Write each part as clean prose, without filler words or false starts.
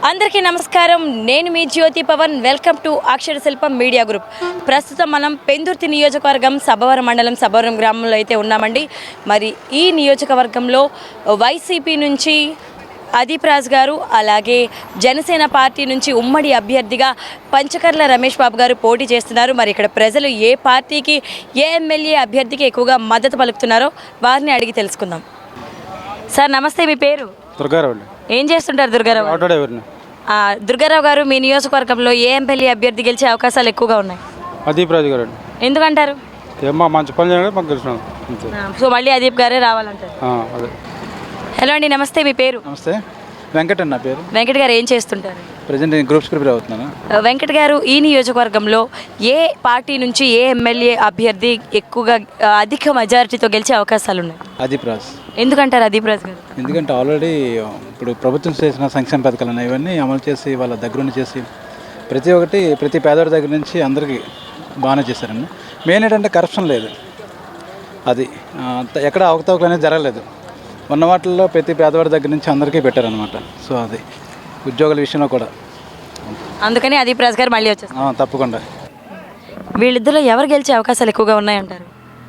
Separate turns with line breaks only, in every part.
అందరికీ నమస్కారం. నేను మీ Jyothi Pavan. Welcome to Akshara Shilpam media group. ప్రస్తుతం మనం పెందుర్తి నియోజకవర్గం సభవరం మండలం సభవరం గ్రామంలో అయితే ఉన్నామండి. మరి ఈ నియోజకవర్గంలో వైసీపీ నుంచి అదీప్ రాజ్ గారు, అలాగే జనసేన పార్టీ నుంచి ఉమ్మడి అభ్యర్థిగా పంచకర్ల రమేష్ బాబు గారు పోటీ చేస్తున్నారు. మరి ఇక్కడ ప్రజలు ఏ పార్టీకి, ఏ ఎమ్మెల్యే అభ్యర్థికి ఎక్కువగా మద్దతు పలుకుతున్నారో వారిని అడిగి తెలుసుకుందాం. సార్ నమస్తే, మీ పేరు?
దుర్గారావు.
ఏం చేస్తుంటారు దుర్గారావు?
ఆటో డ్రైవర్ని.
దుర్గారావు గారు, మీ నియోజకవర్గంలో ఏ ఎమ్మెల్యే అభ్యర్థి గెలిచే అవకాశాలు ఎక్కువగా ఉన్నాయి?
అదీప్ రాజు గారు.
ఎందుకంటారు?
ఏమో మంచి పని చేయడం మాకు తెలిసినాం.
సో మళ్ళీ అదీప్ గారే రావాలంటారు.
అదే.
హలో అండి, నమస్తే, మీ పేరు?
నమస్తే, వెంకట్ అన్న పేరు.
వెంకట్ గారు ఏం చేస్తుంటారు?
ప్రజెంట్ నేను గ్రూప్స్ ప్రిపేర్ అవుతున్నాను.
వెంకట్ గారు, ఈ నియోజకవర్గంలో ఏ పార్టీ నుంచి ఏ ఎమ్మెల్యే అభ్యర్థి ఎక్కువగా అధిక మెజారిటీతో గెలిచే అవకాశాలు ఉన్నాయి?
అదీప్ రాజ్.
ఎందుకంటారు అదీప్ రాజ్ గారు?
ఎందుకంటే ఆల్రెడీ ఇప్పుడు ప్రభుత్వం చేసిన సంక్షేమ పథకాలు ఉన్నాయి, ఇవన్నీ అమలు చేసి వాళ్ళ దగ్గరుండి చేసి ప్రతి పేదవాడి దగ్గర నుంచి అందరికీ బాగానే చేశారండి. మెయిన్ ఏంటంటే కరప్షన్ లేదు, అది ఎక్కడ అవకతవకలు అనేది జరగలేదు. ఉన్న వాటిల్లో ప్రతి పేదవాడి దగ్గర నుంచి అందరికీ పెట్టారనమాట. సో అది ఉద్యోగాల విషయంలో కూడా
అందుకని అదీప్ రాజ్ గారు మళ్ళీ వచ్చేస్తారు.
తప్పకుండా.
వీళ్ళిద్దరిలో ఎవరు గెలిచే అవకాశాలు ఎక్కువగా ఉన్నాయంటారు?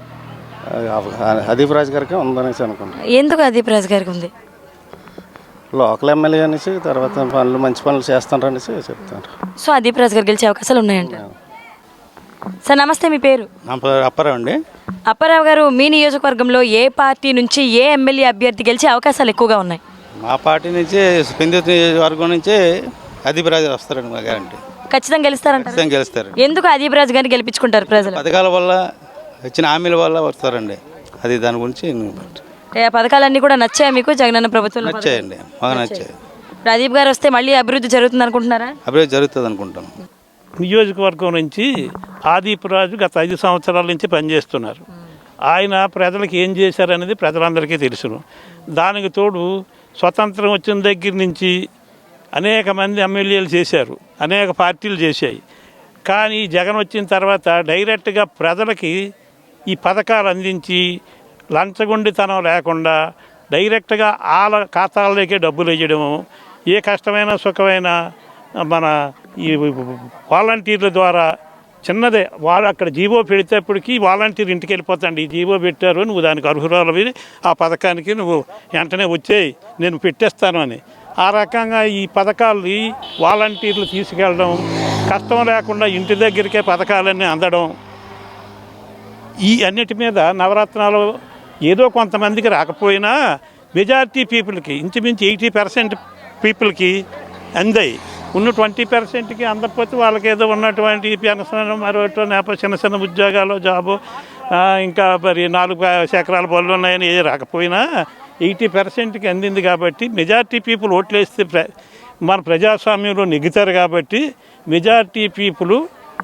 అదీప్ రాజ్ గారికి ఉందనేసి అనుకుంటాను.
ఎందుకు అదీప్ రాజ్ గారికి ఉంది?
లోకల్ ఎమ్మెల్యే అనేసి, తర్వాత మంచి పనులు చేస్తాను అనేసి చెప్తారు.
సో అదీప్ రాజ్ గారు గెలిచే అవకాశాలు ఉన్నాయంట. సార్ నమస్తే, మీ పేరు?
నా పేరు అప్పారావు అండి.
అప్పారావు గారు, మీ నియోజకవర్గంలో ఏ పార్టీ నుంచి ఏ ఎమ్మెల్యే అభ్యర్థి గెలిచే అవకాశాలు ఎక్కువగా ఉన్నాయి?
మా పార్టీ నుంచి పెందుర్తి నియోజకవర్గం నుంచి అదీప్ రాజు వస్తారండి, మా గ్యారంటీ.
ఖచ్చితంగా గెలుస్తారంట.
ఖచ్చితంగా గెలుస్తారు.
ఎందుకు అదీప్ రాజ్ గారిని గెలిపించుకుంటారు ప్రజలు?
పథకాల వల్ల, ఇచ్చిన హామీల వల్ల వస్తారండి. అది దాని గురించి
ఆ పథకాలన్నీ కూడా నచ్చాయి మీకు? జగనన్న ప్రభుత్వం
నచ్చాయండి, బాగా నచ్చాయి.
అదీప్ గారు వస్తే మళ్ళీ అభివృద్ధి జరుగుతుంది అనుకుంటున్నారా?
అభివృద్ధి జరుగుతుంది అనుకుంటాను.
నియోజకవర్గం నుంచి అదీప్ రాజు గత 5 సంవత్సరాల నుంచి పనిచేస్తున్నారు. ఆయన ప్రజలకు ఏం చేశారనేది ప్రజలందరికీ తెలుసును. దానికి తోడు స్వతంత్రం వచ్చిన దగ్గర నుంచి అనేక మంది ఎమ్మెల్యేలు చేశారు, అనేక పార్టీలు చేశాయి. కానీ జగన్ వచ్చిన తర్వాత డైరెక్ట్గా ప్రజలకి ఈ పథకాలు అందించి లంచగొండితనం లేకుండా డైరెక్ట్గా వాళ్ళ ఖాతాల్లోకే డబ్బులు వేయడము, ఏ కష్టమైన సుఖమైన మన ఈ వాలంటీర్ల ద్వారా చిన్నదే వాళ్ళు అక్కడ జీవో పెడితేప్పటికి వాలంటీర్ ఇంటికి వెళ్ళిపోతాండి, ఈ జీవో పెట్టారు, నువ్వు దానికి అర్హురాలవి, ఆ పథకానికి నువ్వు వెంటనే వచ్చేయి, నేను పెట్టేస్తాను అని. ఆ రకంగా ఈ పథకాలు వాలంటీర్లు తీసుకెళ్ళడం, కష్టం లేకుండా ఇంటి దగ్గరికే పథకాలన్నీ అందడం, ఈ అన్నిటి మీద నవరత్నాలు ఏదో కొంతమందికి రాకపోయినా మెజారిటీ పీపుల్కి, ఇంచుమించు 80% పీపుల్కి అందాయి. ఉన్న 20%కి అందకపోతే వాళ్ళకి ఏదో ఉన్నటువంటి పెన్షన్, మరొకటి చిన్న చిన్న ఉద్యోగాలు, జాబు, ఇంకా మరి 4 ఎకరాల పనులు ఉన్నాయని ఏది రాకపోయినా 80%కి అందింది. కాబట్టి మెజారిటీ పీపుల్ ఓట్లేస్తే మన ప్రజాస్వామ్యంలో నెగ్గుతారు. కాబట్టి మెజారిటీ పీపుల్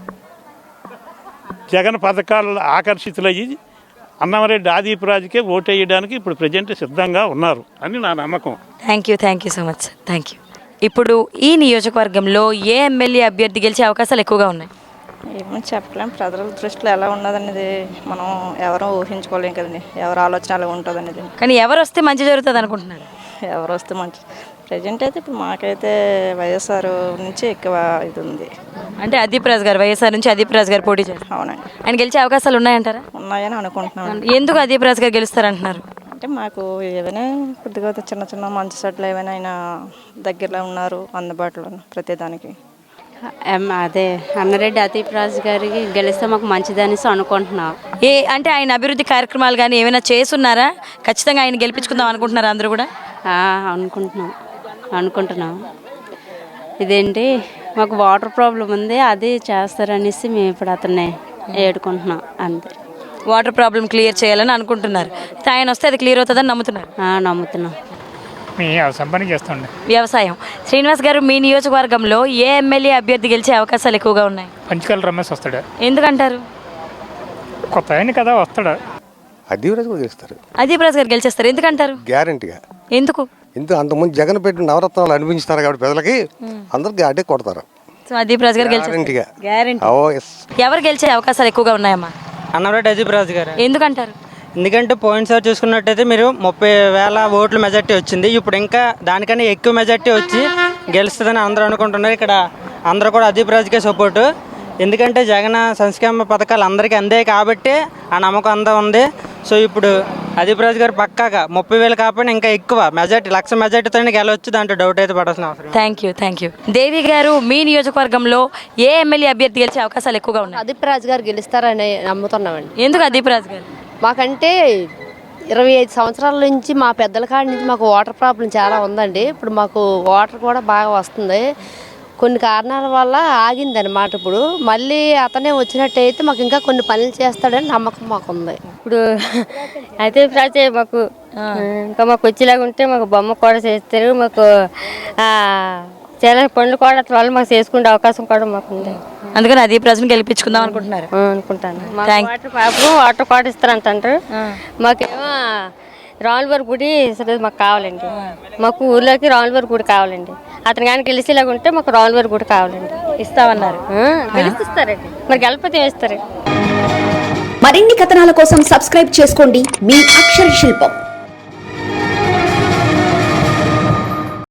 జగన్ పథకాలు ఆకర్షితులయ్యి అన్నమరెడ్డి అదీప్ రాజుకే ఓటు వేయడానికి ఇప్పుడు ప్రజెంట్ సిద్ధంగా ఉన్నారు అని నా నమ్మకం.
Thank you so much sir, thank you. ఇప్పుడు ఈ నియోజకవర్గంలో ఏ ఎమ్మెల్యే అభ్యర్థి గెలిచే అవకాశాలు ఎక్కువగా ఉన్నాయి?
ఏమో చెప్పలేం. ప్రజల దృష్టిలో ఎలా ఉన్నదనేది మనం ఎవరూ ఊహించుకోలేం కదండి, ఎవరు ఆలోచన ఎలా ఉంటుంది అనేది.
కానీ ఎవరు వస్తే మంచి జరుగుతుంది అనుకుంటున్నారు?
ఎవరు వస్తే మంచి, ప్రజెంట్ అయితే ఇప్పుడు మాకైతే వైఎస్ఆర్ నుంచి ఎక్కువ ఇది ఉంది.
అంటే అదీప్ రాజ్ గారు, వైఎస్ఆర్ నుంచి అదీప్ రాజ్ గారు పోటీ చేస్తారు.
అవునండి.
ఆయన గెలిచే అవకాశాలు ఉన్నాయంటారా?
ఉన్నాయని అనుకుంటున్నాను.
ఎందుకు అదీప్ రాజ్ గారు గెలుస్తారంటున్నారు?
అంటే మాకు ఏమైనా కొద్దిగా చిన్న చిన్న మంచి సెట్లు ఏమైనా ఆయన దగ్గరలో ఉన్నారు, అందుబాటులో ప్రతిదానికి.
అదే అన్నరెడ్డి అదీప్ రాజు గారికి గెలిస్తే మాకు మంచిదనేసి అనుకుంటున్నాం.
అంటే ఆయన అభివృద్ధి కార్యక్రమాలు కానీ ఏమైనా చేసున్నారా? ఖచ్చితంగా ఆయన గెలిపించుకుందాం అనుకుంటున్నారా అందరూ కూడా?
అనుకుంటున్నాం. ఇదేంటి మాకు వాటర్ ప్రాబ్లం ఉంది, అది చేస్తారనేసి మేము ఇప్పుడు అతన్ని ఏడుకుంటున్నాం అంతే.
వాటర్ ప్రాబ్లం క్లియర్ చేయాలని అనుకుంటున్నారు. ఆయన వస్తే అది క్లియర్ అవుతుందని నమ్ముతున్నారు?
నమ్ముతున్నాం.
వ్యవసాయం పని చేస్తుండే.
వ్యవసాయం. శ్రీనివాస్ గారు, మీ నియోజకవర్గంలో ఏ ఎమ్మెల్యే అభ్యర్థి గెలిచే అవకాశాలు ఎక్కువగా ఉన్నాయి?
పంచకర్ల రమేష్ వస్తాడు.
ఎందుకంటారు?
కొత్త ఆయన కదా, వస్తాడు.
అదీప్ రాజు కూడా గెలుస్తారు.
అదీప్ రాజ్ గారు గెలిచేస్తారు. ఎందుకంటారు?
గ్యారంటీగా.
ఎందుకు?
అంతకుముందు జగన్ పెట్టిన నవరత్నాలు అనిపించుతారు కాబట్టి ప్రజలకి అందరికి అడ్డే కొడతారు.
సో అదీప్ రాజ్ గారు గెలిచేస్తారు. గ్యారంటీ. ఎవరు గెలిచే అవకాశాలు ఎక్కువగా ఉన్నాయమ్మా?
అన్నమరెడ్డి అదీప్ రాజు గారు.
ఎందుకంటారు?
ఎందుకంటే పోయినసారి చూసుకున్నట్టయితే మీరు 30,000 ఓట్ల మెజార్టీ వచ్చింది. ఇప్పుడు ఇంకా దానికన్నా ఎక్కువ మెజార్టీ వచ్చి గెలుస్తుందని అందరూ అనుకుంటున్నారు. ఇక్కడ అందరూ కూడా అదీప్ రాజుకే సపోర్టు. ఎందుకంటే జగన్ సంక్షేమ పథకాలు అందరికీ అందాయి కాబట్టి ఆ నమ్మకం అంతా ఉంది. సో ఇప్పుడు అదీప్ రాజు గారు పక్కాగా 30,000 కాకపోయినా ఇంకా ఎక్కువ మెజార్టీ 1,00,000 మెజార్టీతో గెలవచ్చు. దాంట్లో డౌట్ అయితే పడాల్సిన అవసరం లేదు.
థ్యాంక్ యూ దేవి గారు, మీ నియోజకవర్గంలో ఏ ఎమ్మెల్యే అభ్యర్థి గెలిచే అవకాశాలు ఎక్కువగా ఉన్నాయి?
అదీప్ రాజు గారు గెలుస్తారని నమ్ముతున్నామండి.
ఎందుకు అదీప్ రాజు గారు?
మాకంటే 25 సంవత్సరాల నుంచి మా పెద్దల కాడి నుంచి మాకు వాటర్ ప్రాబ్లం చాలా ఉందండి. ఇప్పుడు మాకు వాటర్ కూడా బాగా వస్తుంది. కొన్ని కారణాల వల్ల ఆగిందనమాట. ఇప్పుడు మళ్ళీ అతనే వచ్చినట్టయితే మాకు ఇంకా కొన్ని పనులు చేస్తాడని నమ్మకం మాకు ఉంది.
ఇప్పుడు అయితే రాజే మాకు ఇంకా మాకు వచ్చేలాగా ఉంటే మాకు బొమ్మ కూడా చేస్తారు. మాకు చాలా పనులు కూడా వాళ్ళు మాకు చేసుకునే అవకాశం కూడా మాకు ఉంది.
అందుకని అదీప్ రాజుని గెలిపించుకుందాం అనుకుంటున్నారు?
అనుకుంటాను. వాటర్ కూడా ఇస్తారంటారు. మాకేమో రాములవారి గుడి మాకు కావాలండి. మాకు ఊర్లోకి రాములవారి గుడి కావాలండి. అతను కానీ గెలిచేలాగా ఉంటే మాకు రాములవారి గుడి కావాలండి.
ఇస్తామన్నారు.
గెలిపిస్తారండి. మరి గెలిపితే వేస్తారు.
మరిన్ని కథనాల కోసం సబ్స్క్రైబ్ చేసుకోండి మీ అక్షర శిల్పం.